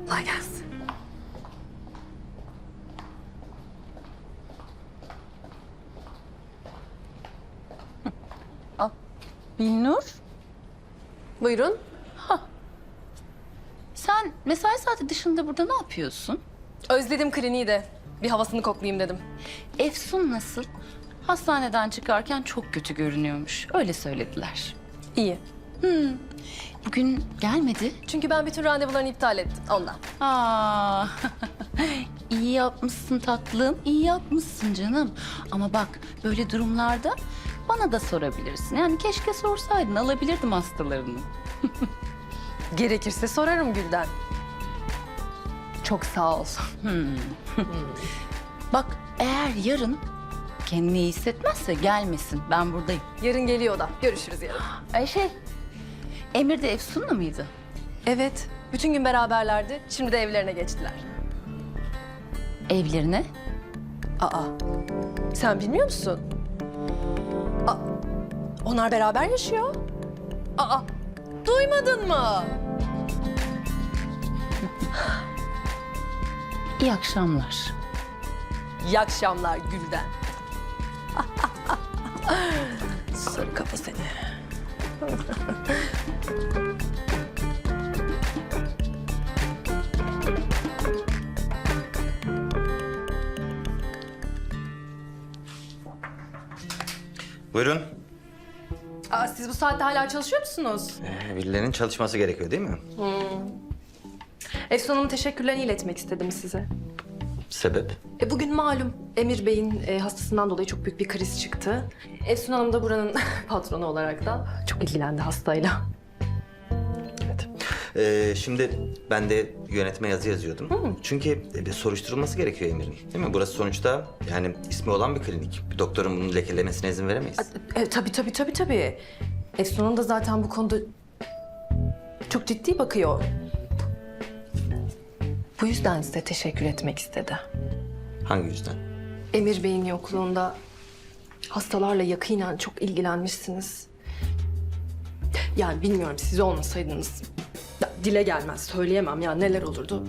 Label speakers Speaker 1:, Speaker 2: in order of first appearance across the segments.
Speaker 1: Kolay gelsin.
Speaker 2: Binnur,
Speaker 1: Buyurun.
Speaker 2: sen mesai saati dışında burada ne yapıyorsun?
Speaker 1: Özledim kliniği de. Bir havasını koklayayım dedim.
Speaker 2: Efsun nasıl? Hastaneden çıkarken çok kötü görünüyormuş. Öyle söylediler.
Speaker 1: İyi.
Speaker 2: Bugün gelmedi.
Speaker 1: Çünkü ben bütün randevularını iptal ettim ondan.
Speaker 2: Aa, iyi yapmışsın tatlım, iyi yapmışsın canım. Ama bak böyle durumlarda bana da sorabilirsin. Yani keşke sorsaydın, alabilirdim hastalarını.
Speaker 1: Gerekirse sorarım Gülden. Çok sağ ol.
Speaker 2: Bak eğer yarın kendini iyi hissetmezse gelmesin. Ben buradayım.
Speaker 1: Yarın geliyor o da. Görüşürüz yarın.
Speaker 2: Emir de Efsun'la mıydı?
Speaker 1: Evet. Bütün gün beraberlerdi. Şimdi de evlerine geçtiler.
Speaker 2: Evlerine?
Speaker 1: Aa. Sen bilmiyor musun? Aa, onlar beraber yaşıyor. Aa. Duymadın mı?
Speaker 2: İyi akşamlar.
Speaker 1: İyi akşamlar Gülden. Sarı kafa seni.
Speaker 3: Buyurun.
Speaker 1: Aa, siz bu saatte hala çalışıyor musunuz?
Speaker 3: Birilerinin çalışması gerekiyor değil mi?
Speaker 1: Efsun Hanım'ın teşekkürlerini iletmek istedim size.
Speaker 3: Sebep?
Speaker 1: Bugün malum Emir Bey'in hastasından dolayı çok büyük bir kriz çıktı. Efsun Hanım da buranın patronu olarak da çok ilgilendi hastayla.
Speaker 3: Evet. Şimdi ben de yönetme yazı yazıyordum. Çünkü bir soruşturulması gerekiyor Emir'in. Değil mi? Burası sonuçta yani ismi olan bir klinik. Bir doktorun bunu lekelemesine izin veremeyiz.
Speaker 1: Tabii. Efsun Hanım da zaten bu konuda çok ciddi bakıyor. Bu yüzden size teşekkür etmek istedi.
Speaker 3: Hangi yüzden?
Speaker 1: Emir Bey'in yokluğunda hastalarla yakinen çok ilgilenmişsiniz. Yani bilmiyorum siz olmasaydınız dile gelmez söyleyemem ya neler olurdu.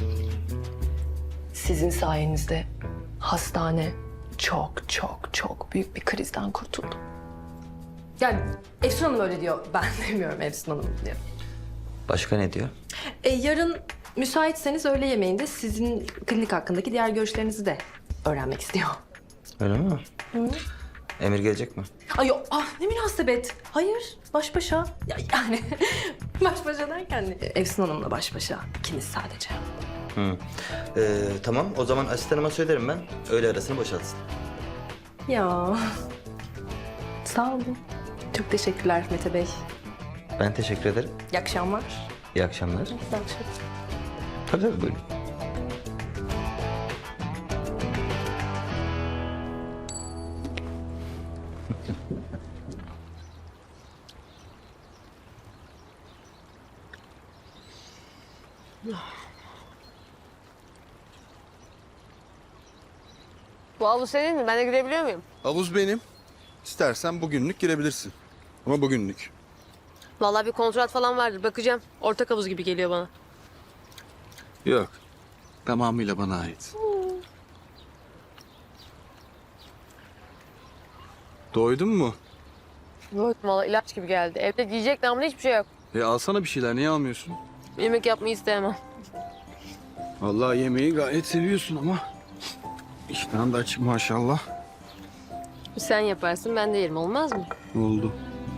Speaker 1: Sizin sayenizde hastane çok büyük bir krizden kurtuldu. Yani Efsun Hanım öyle diyor. Ben demiyorum Efsun Hanım diyor.
Speaker 3: Başka ne diyor?
Speaker 1: Yarın müsaitseniz öğle yemeğinde sizin klinik hakkındaki diğer görüşlerinizi de öğrenmek istiyor.
Speaker 3: Öyle mi? Emir gelecek mi?
Speaker 1: Ay yok, ne münasebet. Hayır, baş başa. Yani baş başa derken Efsun Hanım'la baş başa. İkiniz sadece.
Speaker 3: Tamam o zaman asistanıma söylerim ben. Öğle arasını boşaltsın.
Speaker 1: Ya. Sağ olun. Çok teşekkürler Mete Bey.
Speaker 3: Ben teşekkür ederim.
Speaker 1: İyi akşamlar.
Speaker 3: İyi akşamlar.
Speaker 1: İyi akşamlar.
Speaker 3: Tabii buyurun.
Speaker 4: Bu havuz senin mi? Ben de girebiliyor muyum?
Speaker 5: Havuz benim. İstersen bugünlük girebilirsin. Ama bugünlük.
Speaker 4: Vallahi bir kontrat falan vardır. Bakacağım. Ortak havuz gibi geliyor bana.
Speaker 5: Yok. Tamamıyla bana ait. Doydun mu?
Speaker 4: Yok. Vallahi ilaç gibi geldi. Evde giyecek namına hiçbir şey yok.
Speaker 5: Alsana bir şeyler. Niye almıyorsun?
Speaker 4: Yemek yapmayı isteyemem.
Speaker 5: Vallahi yemeği gayet seviyorsun ama. İştahın da açık maşallah.
Speaker 4: Sen yaparsın ben de yerim. Olmaz mı?
Speaker 5: Oldu.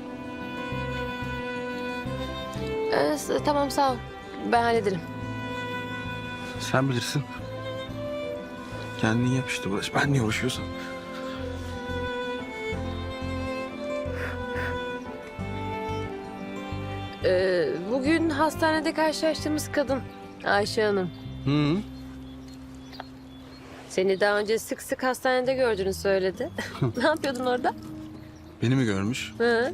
Speaker 4: Tamam sağ ol. Ben hallederim.
Speaker 5: Sen bilirsin. Kendin yap işte Ulaş. Ben niye uğraşıyorsam.
Speaker 4: Bugün hastanede karşılaştığımız kadın. Ayşe Hanım.
Speaker 5: Hı.
Speaker 4: Seni daha önce sık sık hastanede gördüğünü söyledi. Ne yapıyordun orada?
Speaker 5: Beni mi görmüş?
Speaker 4: Hı.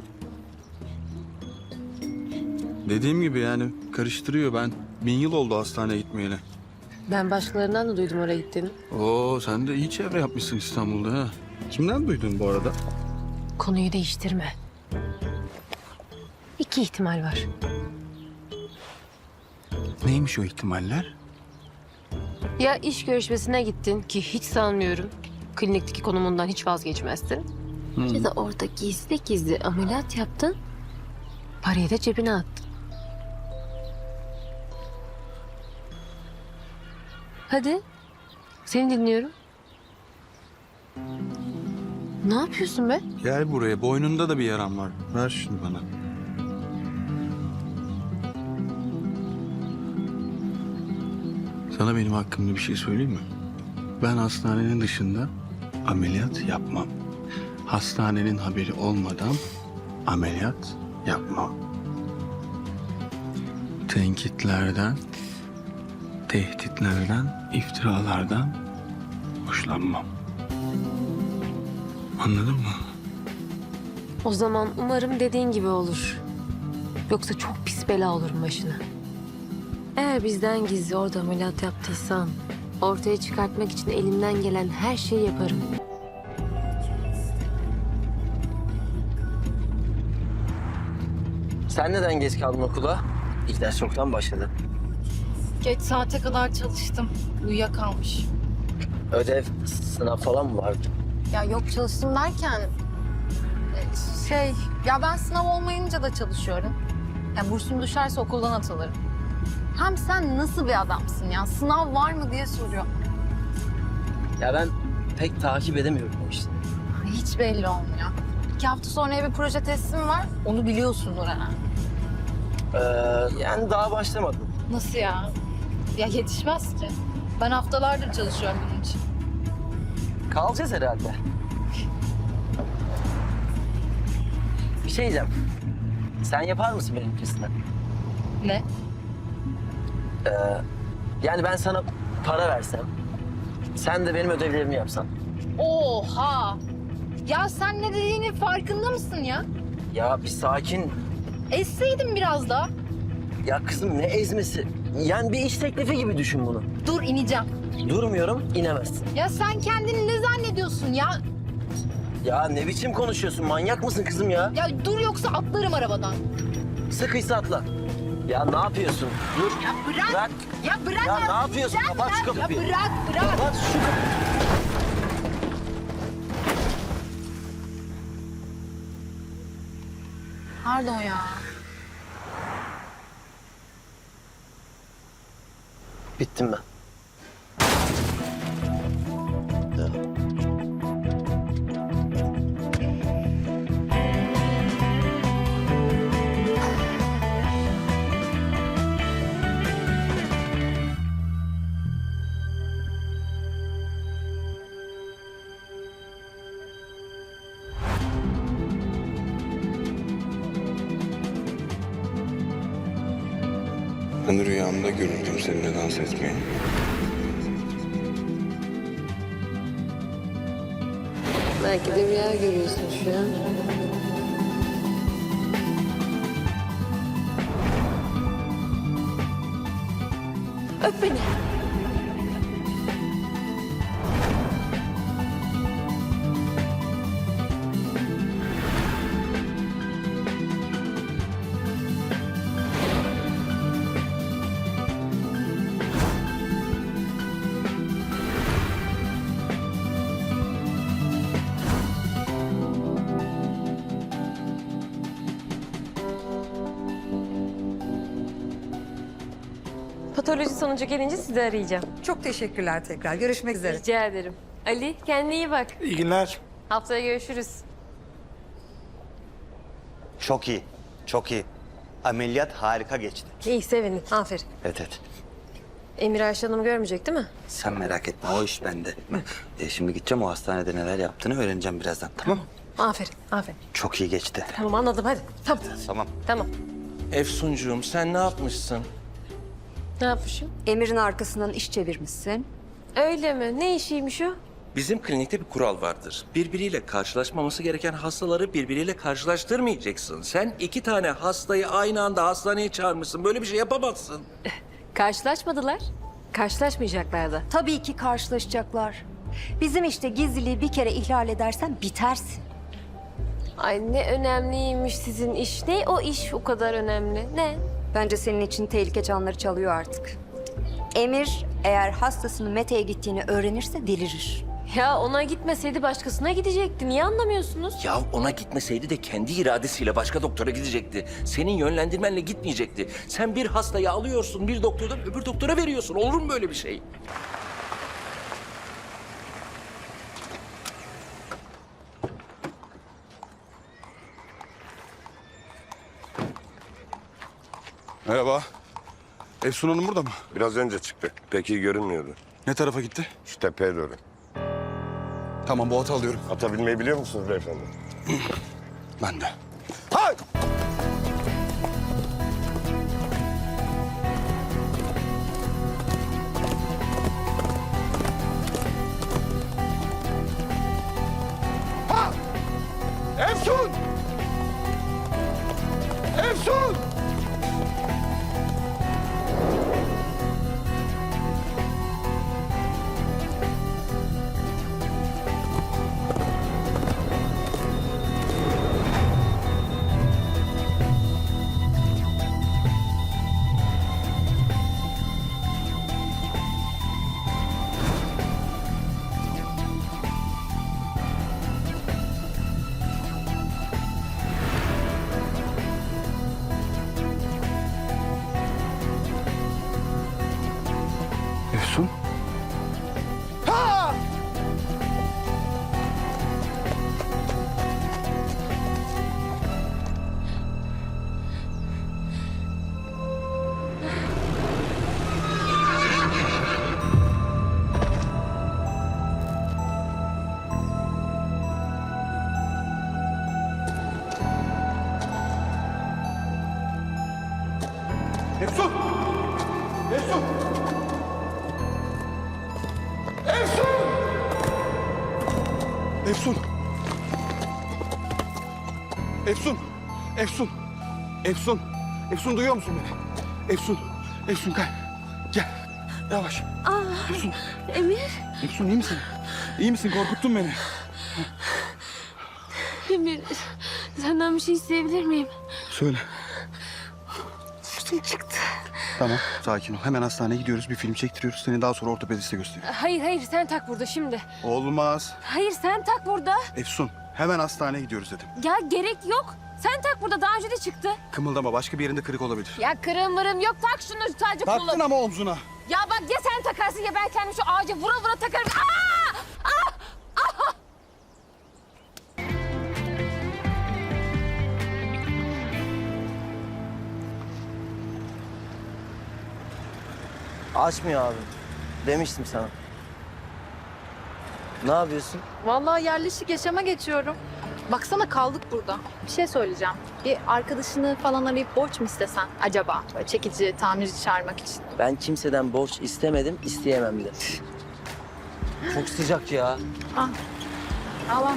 Speaker 5: Dediğim gibi yani karıştırıyor. Ben 1000 yıl oldu hastaneye gitmeyeli.
Speaker 4: Ben başkalarından da duydum oraya gittiğini.
Speaker 5: Oo sen de iyi çevre yapmışsın İstanbul'da ha. Kimden duydun bu arada?
Speaker 4: Konuyu değiştirme. İki ihtimal var.
Speaker 5: Neymiş o ihtimaller?
Speaker 4: Ya iş görüşmesine gittin ki hiç sanmıyorum. Klinikteki konumundan hiç vazgeçmezsin. Ya da orada gizli gizli ameliyat yaptın. Parayı da cebine attın. Hadi. Seni dinliyorum. Ne yapıyorsun be?
Speaker 5: Gel buraya. Boynunda da bir yaram var. Ver şunu bana. Sana benim hakkımda bir şey söyleyeyim mi? Ben hastanenin dışında ameliyat yapmam. Hastanenin haberi olmadan ameliyat yapmam. Tenkitlerden, tehditlerden, iftiralardan hoşlanmam. Anladın mı?
Speaker 4: O zaman umarım dediğin gibi olur. Yoksa çok pis bela olurum başına. Eğer bizden gizli orada ameliyat yaptıysan... ortaya çıkartmak için elimden gelen her şeyi yaparım.
Speaker 6: Sen neden geç kaldın okula? İlk ders çoktan başladı.
Speaker 7: Geç saate kadar çalıştım. Uyuyakalmış.
Speaker 6: Ödev, sınav falan mı vardı?
Speaker 7: Ya yok çalıştım derken... ya ben sınav olmayınca da çalışıyorum. Ya bursum düşerse okuldan atılırım. Hem sen nasıl bir adamsın ya? Sınav var mı diye soruyor.
Speaker 6: Ya ben pek takip edemiyorum o işleri.
Speaker 7: Hiç belli olmuyor. 2 hafta sonra bir proje teslim var. Onu biliyorsundur herhalde.
Speaker 6: Yani daha başlamadım.
Speaker 7: Nasıl ya? Ya yetişmez ki. Ben haftalardır çalışıyorum bunun için.
Speaker 6: Kalacağız herhalde. Bir şey diyeceğim. Sen yapar mısın benimkisini?
Speaker 7: Ne?
Speaker 6: Yani ben sana para versem, sen de benim ödevlerimi yapsan.
Speaker 7: Oha! Ya sen ne dediğinin farkında mısın ya?
Speaker 6: Ya bir sakin.
Speaker 7: Esseydin biraz daha.
Speaker 6: Ya kızım ne ezmesi? Yani bir iş teklifi gibi düşün bunu.
Speaker 7: Dur ineceğim.
Speaker 6: Durmuyorum, inemezsin.
Speaker 7: Ya sen kendini ne zannediyorsun ya?
Speaker 6: Ya ne biçim konuşuyorsun? Manyak mısın kızım ya?
Speaker 7: Ya dur yoksa atlarım arabadan.
Speaker 6: Sıkıysa atla. Ya ne yapıyorsun? Dur.
Speaker 7: Ya bırak.
Speaker 6: Bırak.
Speaker 7: Ya bırak.
Speaker 6: Ya ne yapıyorsun? Kapat şu
Speaker 7: Ya
Speaker 6: kapıyı.
Speaker 7: bırak.
Speaker 6: Kapat şu kapıyı.
Speaker 7: Pardon ya.
Speaker 6: Bittim ben.
Speaker 5: Ben rüyamda görürdüm seninle dans etmeyi.
Speaker 4: Belki de rüya görüyorsun şu an. Öp beni. Patoloji sonucu gelince sizi arayacağım.
Speaker 8: Çok teşekkürler tekrar. Görüşmek üzere.
Speaker 4: Rica ederim. Ali kendine iyi bak.
Speaker 5: İyi günler.
Speaker 4: Haftaya görüşürüz.
Speaker 3: Çok iyi, çok iyi. Ameliyat harika geçti.
Speaker 4: İyi sevindim. Aferin.
Speaker 3: Evet, evet.
Speaker 4: Emir Ayşe Hanım görmeyecek değil mi?
Speaker 3: Sen merak etme, o iş bende. Şimdi gideceğim, o hastanede neler yaptığını öğreneceğim birazdan, tamam mı?
Speaker 4: Aferin, aferin.
Speaker 3: Çok iyi geçti.
Speaker 4: Tamam anladım hadi. Tamam.
Speaker 3: Tamam.
Speaker 4: Tamam.
Speaker 9: Efsuncuğum sen ne yapmışsın?
Speaker 4: Ne yapmışım?
Speaker 10: Emir'in arkasından iş çevirmişsin.
Speaker 4: Öyle mi? Ne işiymiş o?
Speaker 9: Bizim klinikte bir kural vardır. Birbiriyle karşılaşmaması gereken hastaları birbiriyle karşılaştırmayacaksın. Sen 2 tane hastayı aynı anda hastaneye çağırmışsın. Böyle bir şey yapamazsın.
Speaker 4: Karşılaşmadılar. Karşılaşmayacaklar da.
Speaker 10: Tabii ki karşılaşacaklar. Bizim işte gizliliği bir kere ihlal edersen bitersin.
Speaker 4: Ay ne önemliymiş sizin iş. Ne o iş o kadar önemli? Ne?
Speaker 10: Bence senin için tehlike çanları çalıyor artık. Emir eğer hastasının Mete'ye gittiğini öğrenirse delirir.
Speaker 4: Ya ona gitmeseydi başkasına gidecekti. Niye anlamıyorsunuz?
Speaker 9: Ya ona gitmeseydi de kendi iradesiyle başka doktora gidecekti. Senin yönlendirmenle gitmeyecekti. Sen bir hastayı alıyorsun, bir doktordan öbür doktora veriyorsun. Olur mu böyle bir şey?
Speaker 11: Merhaba. Efsun Hanım burada mı?
Speaker 12: Biraz önce çıktı. Pek iyi görünmüyordu.
Speaker 11: Ne tarafa gitti?
Speaker 12: Şu tepeye doğru.
Speaker 11: Tamam, bu atı alıyorum.
Speaker 12: Ata binmeyi biliyor musunuz beyefendi?
Speaker 11: Ben de. Hay! Ha! Efsun! Efsun! Efsun? Ha! Efsun! Efsun! Efsun! Efsun! Efsun! Efsun! Efsun duyuyor musun beni? Efsun! Efsun gel. Gel. Yavaş. Efsun.
Speaker 4: Emir,
Speaker 11: Efsun iyi misin? İyi misin? Korkuttun beni.
Speaker 4: Emir. Senden bir şey isteyebilir miyim?
Speaker 11: Söyle.
Speaker 4: Üstüm çıktı.
Speaker 11: Tamam, sakin ol. Hemen hastaneye gidiyoruz. Bir film çektiriyoruz. Seni daha sonra ortopediste gösteriyor.
Speaker 4: Hayır, sen tak burada şimdi.
Speaker 11: Olmaz.
Speaker 4: Hayır, sen tak burada.
Speaker 11: Efsun, hemen hastaneye gidiyoruz dedim.
Speaker 4: Ya gerek yok. Sen tak burada, daha önce de çıktı.
Speaker 11: Kımıldama, başka bir yerinde kırık olabilir.
Speaker 4: Ya kırığım mırığım yok, tak şunu sadece
Speaker 11: Taktın
Speaker 4: kolu.
Speaker 11: ama omzuna.
Speaker 4: Ya bak ya sen takarsın ya ben kendim şu ağaca vura vura takarım. Aa!
Speaker 6: Açmıyor abi. Demiştim sana. Ne yapıyorsun?
Speaker 7: Vallahi yerleşik yaşama geçiyorum. Baksana kaldık burada. Bir şey söyleyeceğim. Bir arkadaşını falan arayıp borç mu istesen acaba? Böyle çekici, tamirci çağırmak için.
Speaker 6: Ben kimseden borç istemedim, isteyemem de. Çok sıcak ya.
Speaker 7: Al.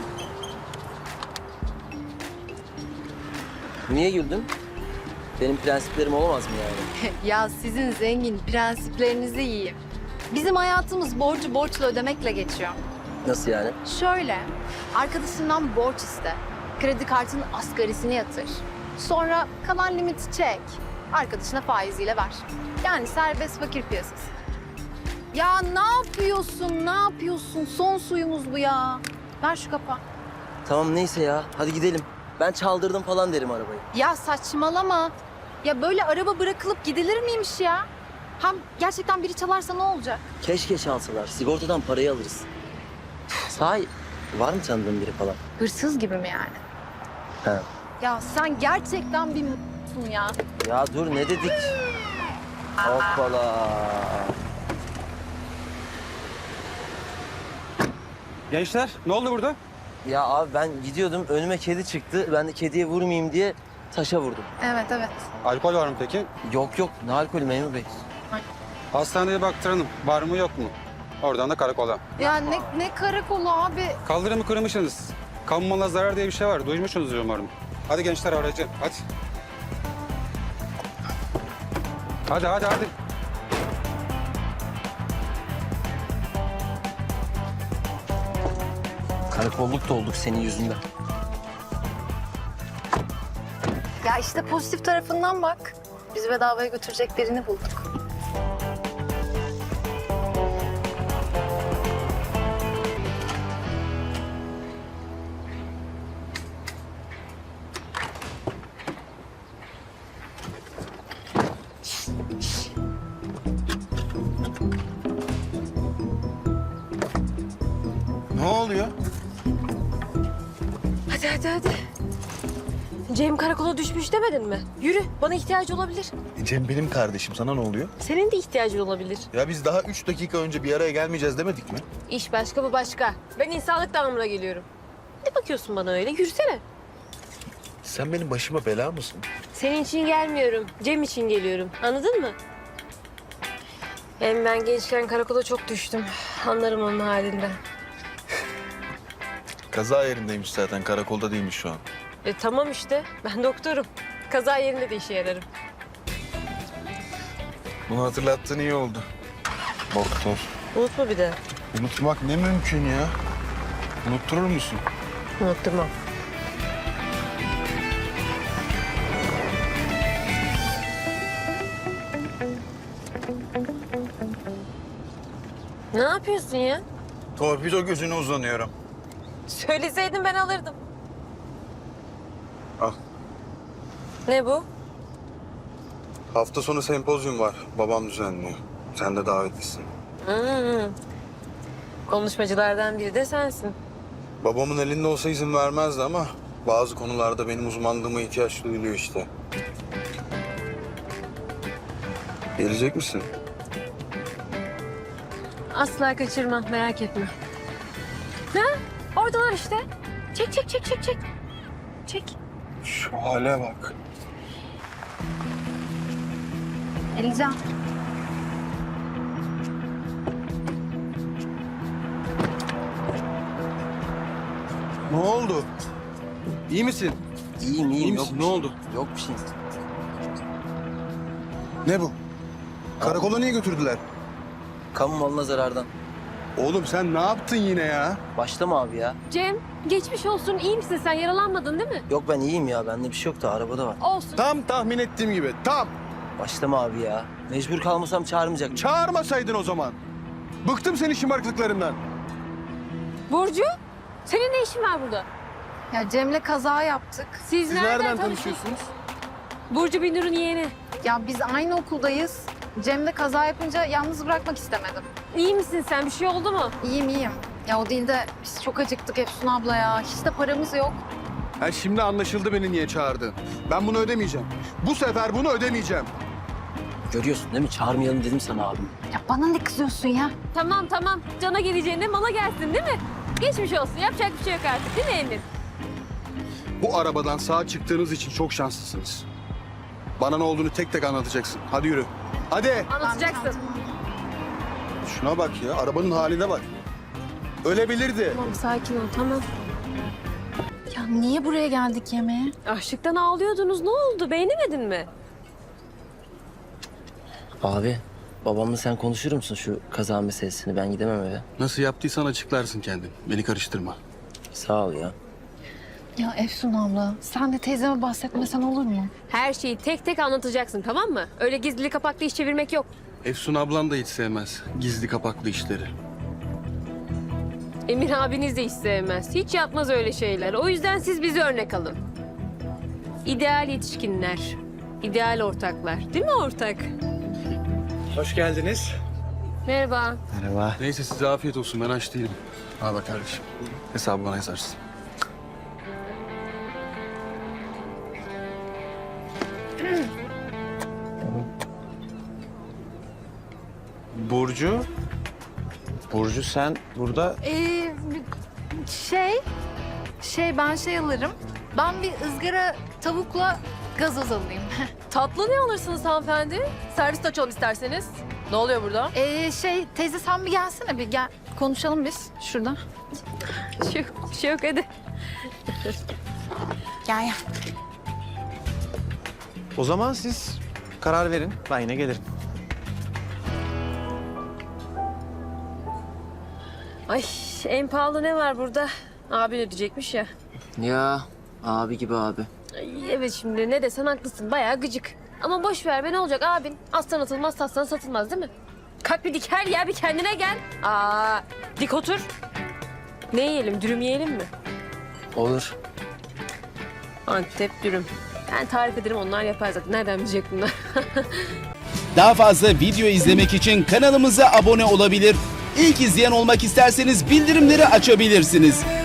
Speaker 6: Niye güldün? Benim prensiplerim olamaz mı yani?
Speaker 7: Ya sizin zengin prensiplerinizi yiyeyim. Bizim hayatımız borcu borçla ödemekle geçiyor.
Speaker 6: Nasıl yani?
Speaker 7: Şöyle, arkadaşından borç iste. Kredi kartının asgarisini yatır. Sonra kalan limiti çek. Arkadaşına faiziyle ver. Yani serbest fakir piyasası. Ya ne yapıyorsun, ne yapıyorsun? Son suyumuz bu ya. Ver şu kapağı.
Speaker 6: Tamam neyse ya, hadi gidelim. Ben çaldırdım falan derim arabayı.
Speaker 7: Ya saçmalama. Ya böyle araba bırakılıp gidilir miymiş ya? Hem gerçekten biri çalarsa ne olacak?
Speaker 6: Keşke çalsalar, sigortadan parayı alırız. Sahi, var mı tanıdığın biri falan?
Speaker 7: Hırsız gibi mi yani?
Speaker 6: He.
Speaker 7: Ya sen gerçekten bir m***sun ya.
Speaker 6: Ya dur ne dedik? Hoppala.
Speaker 5: Gençler, ne oldu burada?
Speaker 6: Ya abi ben gidiyordum, önüme kedi çıktı. Ben de kediye vurmayayım diye taşa vurdum.
Speaker 7: Evet.
Speaker 5: Alkol var mı peki?
Speaker 6: Yok, ne alkolü memur bey?
Speaker 5: Hastaneye baktıralım. Var mı yok mu? Oradan da karakola.
Speaker 7: Ya ne karakolu abi.
Speaker 5: Kaldırımı kırmışsınız. Kamu malına zarar diye bir şey var. Duymuşsunuzdur umarım. Hadi gençler aracı, hadi. Hadi.
Speaker 6: Karakolluk da olduk senin yüzünden.
Speaker 7: Ya işte pozitif tarafından bak. Bizi bedavaya götürecek birini bulduk.
Speaker 11: oluyor?
Speaker 4: Hadi hadi hadi. Cem karakola düşmüş demedin mi? Yürü, bana ihtiyacı olabilir.
Speaker 11: Cem benim kardeşim. Sana ne oluyor?
Speaker 4: Senin de ihtiyacın olabilir.
Speaker 11: Ya biz daha 3 dakika önce bir araya gelmeyeceğiz demedik mi?
Speaker 4: İş başka, bu başka. Ben insanlık damına geliyorum. Ne bakıyorsun bana öyle? Yürüsene.
Speaker 11: Sen benim başıma bela mısın?
Speaker 4: Senin için gelmiyorum. Cem için geliyorum. Anladın mı? Hem ben gençken karakola çok düştüm. Anlarım onun halinden.
Speaker 11: Kaza yerindeymiş zaten. Karakolda değilmiş şu an.
Speaker 4: Tamam işte. Ben doktorum. Kaza yerinde de işe yararım.
Speaker 11: Bunu hatırlattığın iyi oldu. Doktor.
Speaker 4: Unutma bir de.
Speaker 11: Unutmak ne mümkün ya? Unutturur musun?
Speaker 4: Unutturmam. Ne yapıyorsun ya?
Speaker 11: Torpido gözüne uzanıyorum.
Speaker 4: Söyleseydin ben alırdım.
Speaker 11: Al.
Speaker 4: Ne bu?
Speaker 11: Hafta sonu sempozyum var. Babam düzenliyor. Sen de davetlisin.
Speaker 4: Konuşmacılardan biri de sensin.
Speaker 11: Babamın elinde olsa izin vermezdi ama bazı konularda benim uzmanlığıma ihtiyaç duyuluyor işte. Gelecek misin?
Speaker 4: Asla kaçırmam, merak etme. Ha? Oradalar işte. Çek, çek, çek, çek, çek. Çek.
Speaker 11: Şu hale bak.
Speaker 7: Elican.
Speaker 11: Ne oldu? İyi misin?
Speaker 6: İyiyim
Speaker 11: İyi
Speaker 6: yok.
Speaker 11: misin? Ne oldu?
Speaker 6: Yok bir şey.
Speaker 11: Ne bu? Karakola niye götürdüler?
Speaker 6: Kamu malına zarardan.
Speaker 11: Oğlum sen ne yaptın yine ya?
Speaker 6: Başlama abi ya.
Speaker 4: Cem, geçmiş olsun. İyi misin sen? Yaralanmadın değil mi?
Speaker 6: Yok ben iyiyim ya. Bende bir şey yok da arabada var.
Speaker 4: Olsun.
Speaker 11: Tam tahmin ettiğim gibi. Tam.
Speaker 6: Başlama abi ya. Mecbur kalmasam çağırmayacak.
Speaker 11: Çağırmasaydın o zaman. Bıktım senin şımarıklıklarından.
Speaker 4: Burcu, senin ne işin var burada?
Speaker 7: Ya Cem'le kaza yaptık.
Speaker 4: Siz,
Speaker 11: Siz nereden tanışıyorsunuz?
Speaker 4: Burcu Binur'un yeğeni.
Speaker 7: Ya biz aynı okuldayız. Cem'le kaza yapınca yalnız bırakmak istemedim.
Speaker 4: İyi misin sen? Bir şey oldu mu?
Speaker 7: İyiyim iyiyim. Ya o değil de biz çok acıktık Efsun abla ya. Hiç de paramız yok.
Speaker 11: Ha, şimdi anlaşıldı beni niye çağırdın. Ben bunu ödemeyeceğim. Bu sefer bunu ödemeyeceğim.
Speaker 6: Görüyorsun değil mi? Çağırmayalım dedim sana abim.
Speaker 7: Ya bana ne kızıyorsun ya?
Speaker 4: Tamam tamam. Cana geleceğine mala gelsin değil mi? Geçmiş olsun. Yapacak bir şey yok artık değil mi Emir?
Speaker 11: Bu arabadan sağ çıktığınız için çok şanslısınız. Bana ne olduğunu tek tek anlatacaksın. Hadi yürü. Hadi.
Speaker 4: Anlatacaksın.
Speaker 11: Şuna bak ya. Arabanın haline bak. Ölebilirdi.
Speaker 4: Tamam sakin ol tamam.
Speaker 7: Ya niye buraya geldik yemeğe?
Speaker 4: Açlıktan ağlıyordunuz. Ne oldu? Beğenemedin mi?
Speaker 6: Abi babamla sen konuşur musun şu kaza meselesini? Ben gidemem eve.
Speaker 11: Nasıl yaptıysan açıklarsın kendin. Beni karıştırma.
Speaker 6: Sağ ol ya.
Speaker 7: Ya Efsun abla sen de teyzeme bahsetmesen olur mu?
Speaker 4: Her şeyi tek tek anlatacaksın tamam mı? Öyle gizli kapaklı iş çevirmek yok.
Speaker 11: Efsun ablan da hiç sevmez. Gizli kapaklı işleri.
Speaker 4: Emir abiniz de hiç sevmez. Hiç yapmaz öyle şeyler. O yüzden siz bize örnek alın. İdeal yetişkinler. İdeal ortaklar. Değil mi ortak?
Speaker 5: Hoş geldiniz.
Speaker 4: Merhaba.
Speaker 6: Merhaba.
Speaker 11: Neyse size afiyet olsun. Ben aç değilim. Al bak kardeşim. Hesabı bana yazarsın.
Speaker 5: Burcu. Burcu sen burada...
Speaker 7: Ben şey alırım. Ben bir ızgara tavukla gazoz alayım.
Speaker 4: Tatlı ne alırsınız hanımefendi? Servis açalım isterseniz. Ne oluyor burada?
Speaker 7: Teyze sen bir gelsene bir gel. Konuşalım biz şurada.
Speaker 4: Bir şey yok hadi.
Speaker 7: Gel gel.
Speaker 5: O zaman siz karar verin. Ben yine gelirim.
Speaker 4: Ay en pahalı ne var burada? Abin ödeyecekmiş ya.
Speaker 6: Ya abi gibi abi.
Speaker 4: Ay, evet şimdi ne desen haklısın. Bayağı gıcık. Ama boş ver be ne olacak abin? Aslan atılmaz taslan satılmaz değil mi? Kalk bir diker ya bir kendine gel. Dik otur. Ne yiyelim dürüm yiyelim mi?
Speaker 6: Olur.
Speaker 4: Antep dürüm. Ben tarif ederim onlar yapar zaten. Nereden bilecek bunlar?
Speaker 13: Daha fazla video izlemek için kanalımıza abone olabilir. İlk izleyen olmak isterseniz bildirimleri açabilirsiniz.